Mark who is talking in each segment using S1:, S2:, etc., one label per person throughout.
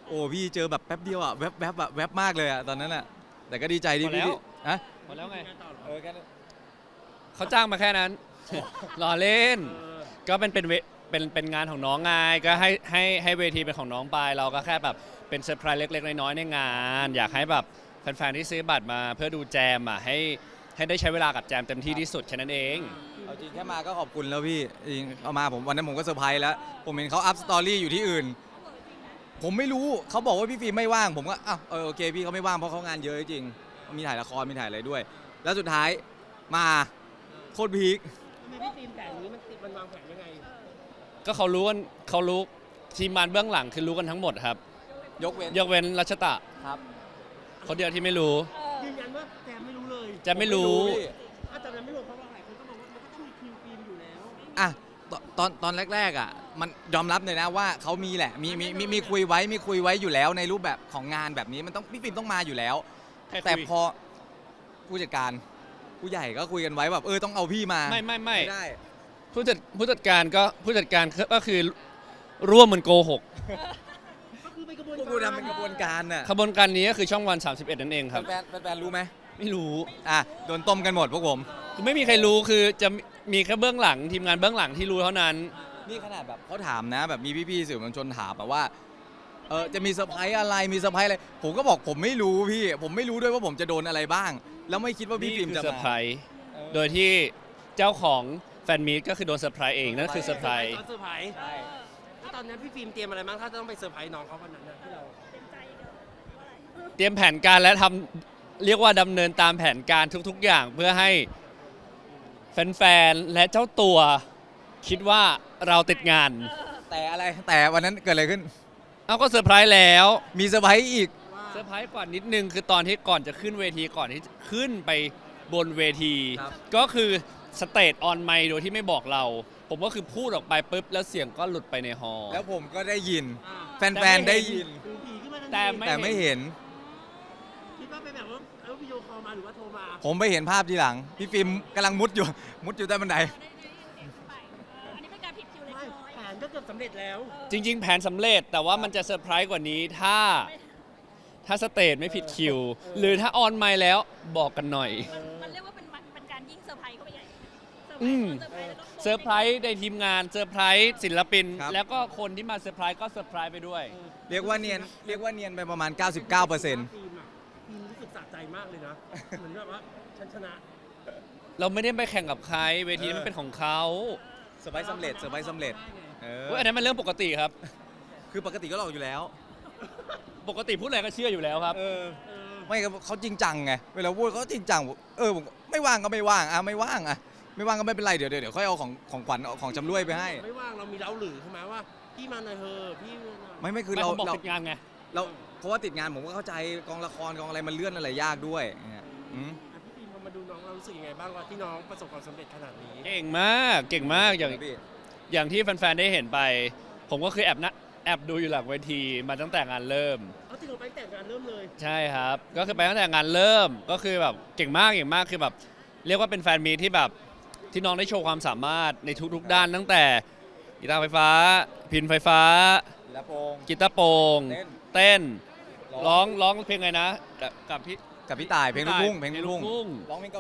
S1: โอ้พี่เจอแบบแป๊บเดียวอ่ะแวบแวบอะแวบมากเลยอ่ะตอนนั้นอ่ะแต่ก็ดีใจที่พี่อะ
S2: หมดแล้วไง
S1: แค่นั้น
S2: เขาจ้างมาแค่นั้น รอเล่น ก็เป็นงานของน้องไงก็ให้เวทีเป็นของน้องไปเราก็แค่แบบเป็นเซอร์ไพรส์เล็กๆน้อยๆในงาน อยากให้แบบแฟนๆที่ซื้อบัตรมาเพื่อดูแจมอ่ะให้ได้ใช้เวลากับแจมเต็มที่ที่สุดแค่นั้นเอง
S1: เอาจริงแค่มาก็ขอบคุณแล้วพี่จริงเอามาผมวันนั้นผมก็เซอร์ไพรส์แล้วผมเห็นเขาอัพสตอรี่อยู่ที่อื่น ผมไม่รู้เขาบอกว่าพี่ฟิล์มไม่ว่างผมก็อ้าวโอเคพี่เขาไม่ว่างเพราะเขางานเยอะจริงมีถ่ายละครมีถ่ายอะไรด้วย แล้วสุดท้ายมาโคตรพีค
S3: ทำไมพี่ฟิล์มแผนนี้มันวางแผนยังไง
S2: ก็เขารู้ทีมงานเบื้องหลังคือรู้กันทั้งหมดครับ
S1: ยกเว้น
S2: ยกเว้นรัชตะ
S1: ครับ
S2: คนเดียวที่ไม่รู้
S3: ยืนยันว่าแจมไม่รู้เลย
S2: จะไม่รู้
S1: พี่
S3: ถ้าจำนั้นไม่รู้เพราะว่าหลายคนก็บอกว่ามันก็ต้องมีคิวฟิล์มอยู่แล้ว
S1: อ่ะตอนแรกๆอ่ะมันยอมรับเลยนะว่าเขามีแหละมีคุยไว้อยู่แล้วในรูปแบบของงานแบบนี้มันต้องพี่ฟิล์มต้องมาอยู่แล้ว
S2: ใครคุย
S1: แต่พอผู้จัดการผู้ใหญ่ก็คุยกันไว้แบบต้องเอาพี่มา
S2: ไม่
S1: ได้
S2: ผู้จัดการก็คือร่วมมันโกหก
S3: ก็คือเป็นกระบวน
S1: พวกกูทำเป็นกระบวนการน่ะ
S2: ขบวนการนี้ก็คือช่องวัน 31 นั่นเองครับ
S1: แฟนรู้ไหม
S2: ไม่รู้
S1: อ่ะโดนต้มกันหมดพวกผม
S2: คือไม่มีใครรู้คือจะมีแค่เบื้องหลังทีมงานเบื้องหลังที่รู้เท่านั้น
S1: นี่ขนาดแบบเขาถามนะแบบมีพี่ๆสื่อมวลชนถามแบบว่าจะมีเซอร์ไพรส์อะไรมีเซอร์ไพรส์อะไรผมก็บอกผมไม่รู้พี่ผมไม่รู้ด้วยว่าผมจะโดนอะไรบ้าง แล้วไม่คิดว่าพี่
S2: นี่
S1: ฟิล์ม
S2: คือ
S1: จะ
S2: เซอร์
S1: มา
S2: ไพรส์โดยที่เจ้าของแฟนมีตก็คือโดนเซอร์ไพรส์เองนั่นคือเซอร์ไพรส์
S3: เซอร์ไพรส์
S1: ใช่
S3: แล้วตอนนั้นพี่ฟิล์มเตรียมอะไรบ้างถ้าจะต้องไปเซอร์ไพรส์น้องเขาวันนั้นนะที่เรา
S2: เตรียมแผนการและทำเรียกว่าดำเนินตามแผนการทุกๆอย่างเพื่อให้แฟนๆและเจ้าตัวคิดว่าเราติดงาน
S1: แต่อะไรแต่วันนั้นเกิดอะไรขึ้น
S2: เอาก็เซอร์ไพรส์แล้ว
S1: มีเซอร์ไพรส์อีก
S2: เซอร์ไพรส์กว่านิดนึงคือตอนที่ก่อนจะขึ้นเวทีก่อนที่จะขึ้นไปบนเวที
S1: ครับ
S2: ก็คือสเตจออนไมค์โดยที่ไม่บอกเรา ผมก็คือพูดออกไปปุ๊บแล้วเสียงก็หลุดไปในฮอลล์
S1: แล้วผมก็ได้ยิน
S3: อ่า
S1: แฟนๆได้ยิน
S3: ถือผีขึ้นมาทันที
S1: แต่ไม่เห็น
S3: คิดว่าเป็นแบบว่าวิดีโอคอลมาหรือว่าโทรมา
S1: ผมไปเห็นภาพทีหลัง พี่ฟิล์มกำลังมุดอยู่ใต้บันได
S4: อันนี้เป็นการผิดคิวเล็ก
S3: ไม่
S4: น้อย
S3: แผนก็เกือบสำเร็จแล้ว
S2: จริง ๆ แผนสำเร็จแต่ว่ามันจะเซอร์ไพรส์กว่านี้ถ้าสเตจไม่ผิดคิว หรือถ้าออนไมค์แล้วบอกกันหน่อย
S4: มันเรียกว่าเป็นการยิ่งเซอร์ไพรส์เข้าไปใหญ่เซอร์ไพร
S2: อืม
S4: ส์เซอร์ไพรส์แล้วก็
S2: เซอร์ไพรส์ในทีมงานเซอร์ไพรส์ศิลปิน
S1: ครับ
S2: แล้วก็คนที่มาเซอร์ไพรส์ก็เซอร์ไพรส์ไปด้วย
S1: เรียกว่าเนียนไปประมาณ 99%
S3: ฟิล์มอะฟิล์มรู้สึกสะใจมากเลยนะ เหมือนแบบว่าฉันชนะ
S2: เราไม่ได้ไปแข่งกับใครเวทีนั้นมันเป็นของเขา
S1: เซอร์ไพรส์สำเร็จ
S2: เว้ยอันนั้นมันเรื่องปกติครับ
S1: คือปกติก็หลอกอยู่แล้ว
S2: ปกติพูดอะไรก็เชื่ออยู่แล้วครับ
S1: ไม่ครับเขาจริงจังไงเวลาพูดเขาจริงจังผมไม่ว่างก็ไม่ว่างไม่ว่างไม่ว่างก็ไม่เป็นไรเดี๋ยวค่อยเอาของขวัญเอาของจำรวยไปให้
S3: ไม่ว่างเรามีเล้าหรือใช่ไหมว่าพี่มาหน่อยเถอะพี่มาหน่อย
S1: ไม่คือ
S2: ไม่
S1: เรา
S2: ผมบอกติดงานไง
S1: เพราะว่าติดงานผมก็เข้าใจกองละครกองอะไรมันเลื่อนอะไรยากด้วยเนี่ยอืม
S3: อ่ะพี่ฟิล์มพอมาดูน้องเรารู้สึกยังไงบ้างว่าที่น้องประสบความสำเร็จขนาดนี้
S2: เก่งมากอย่างที่แฟนๆได้เห็นไป ผมก็คือแอบดูอยู่หลังเวทีมาตั้งแต่งานเริ่ม
S3: เอาจริงเราไปแต่งงานเริ่มเลย
S2: ใช่ครับ ก็คือไปตั้งแต่งานเริ่มก็คือแบบเก่งมากคือแบบเรียกว่าเป็นแฟนมีตที่แบบที่น้องได้โชว์ความสามารถในทุกๆด้านตั้งแต่กีตาร์ไฟฟ้า พิณไฟฟ้า
S1: แล้วโปง
S2: กีตาร์โปร่ง
S1: เต้น
S2: ร้องเพลงไงนะกับพี่
S1: กับพี่ต่ายเพลงลูกทุ่งเพลงลูกทุ่ง
S2: ทุ่ง
S1: ร้องเพลงเกาหลี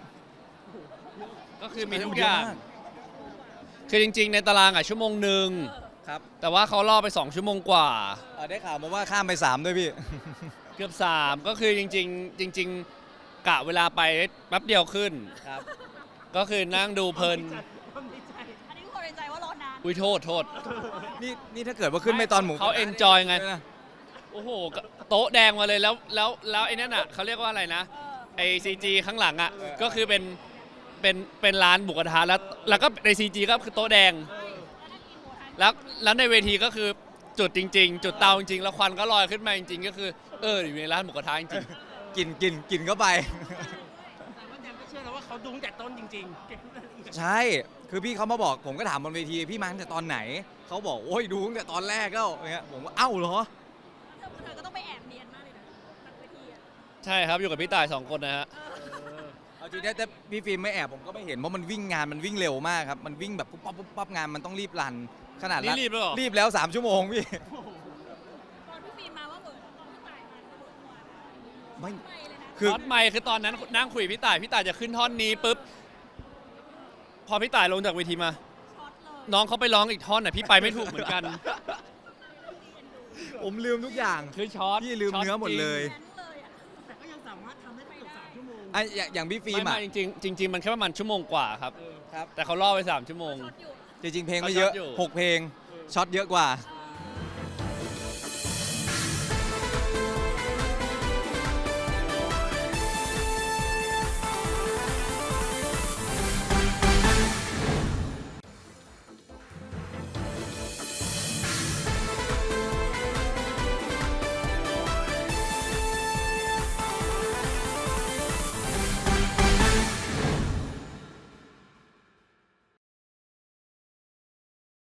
S2: ก็คือมีทุกอย่าง คือจริงๆ ในตารางอ่ะชั่วโมงหนึ่ง
S1: ครับ
S2: แต่ว่าเขาล่อไป 2 ชั่วโมงกว่า
S1: ได้ข่าวมาว่าข้ามไป3ด้วยพี่
S2: เกือบ 3 ก็คือจริงๆกะเวลาไปแป๊บเดียวขึ้น
S1: ครับ
S2: ก็คือนั่งดูเพลิน
S3: ความดีใจ
S4: อันนี้ทุกคนในใจว่ารอนาน
S2: อุ้ยโทษ
S1: นี่ถ้าเกิดว่าขึ้นไปตอนหมู
S2: เขา enjoy ไง โอ้โหโต๊ะแดงมาเลยแล้วไอ้นั่นอ่ะเขาเรียกว่าอะไรนะไอซีจีข้างหลังอ่ะก็คือเป็นร้านบุกกระทะแล้วก็ในซีจีก็คือโต๊ะแดง แล้วในเวทีก็คือจุดจริง ๆ จุดเตาจริงๆแล้วควันก็ลอยขึ้นมาจริง ๆ ก็คืออยู่ในร้านหมูกระทะจริง
S1: กินเข้าไป
S3: แต่ว่าแจมก็เชื่อแล้วว่าเขาดูตั้งแต่ต้นจริงๆเก็บทุกรายละเอียด
S1: ใช่คือพี่เขามาบอกผมก็ถามบนเวทีพี่มาตั้งแต่ตอนไหนเขาบอกโอ้ยดูตั้งแต่ตอนแรกแล้วเงี้ยผมว่าเอ้าเหรอ
S4: เธอก็ต้องไปแอบเนียนมากเลยนะหลังเวทีอ่ะ
S2: ๆ ใช่ครับอยู่กับพี่ต่าย 2 คนนะฮะ
S1: เอาจริงๆแต่พี่ฟิล์มไม่แอบผมก็ไม่เห็นเพราะมันวิ่งงานมันวิ่งเร็วมากครับมันวิ่งแบบปุ๊บปั๊บงานมันต้องรีบรันขนาด
S2: นี่รีบแล้วเหรอ
S1: รีบแล้ว3 ชั่วโมงพี่
S4: ตอนพี่ฟิล์ม
S1: ไม่
S4: ไปเลยนะ
S1: คือ
S2: ช็อตไมค์คือตอนนั้นนั่งคุยกับพี่ต่ายจะขึ้นท่อนนี้ปุ๊บพอพี่ต่ายลงจากเวทีมา
S4: ช็อตเลย
S2: น้องเขาไปร้องอีกท่อนน่ะพี่ไปไม่ถูกเหมือนกัน
S1: ผมลืมทุกอย่าง
S2: คือช็อต
S1: พี่ลืมเนื้อหมดเลย
S4: แค้นเลยอ่ะ
S3: แต่ก็ยังสามารถทำได้เกือบ3 ชั่วโมง
S1: ไอ้อย่างพี่
S2: จ
S1: ฟิ
S2: ริ
S1: ล์
S2: ง
S1: มอะ
S2: จริงๆมันแค่ประมาณชั่วโมงกว่าครับ
S1: ครับ
S2: แต่เขาล่อไป3 ชั่วโมง
S4: ช็อตอยู่
S1: จริงๆเพลงไม่เยอะ
S2: เขาช็อตอยู่
S1: 6 เพลงช็อตเยอะกว่า
S4: เอ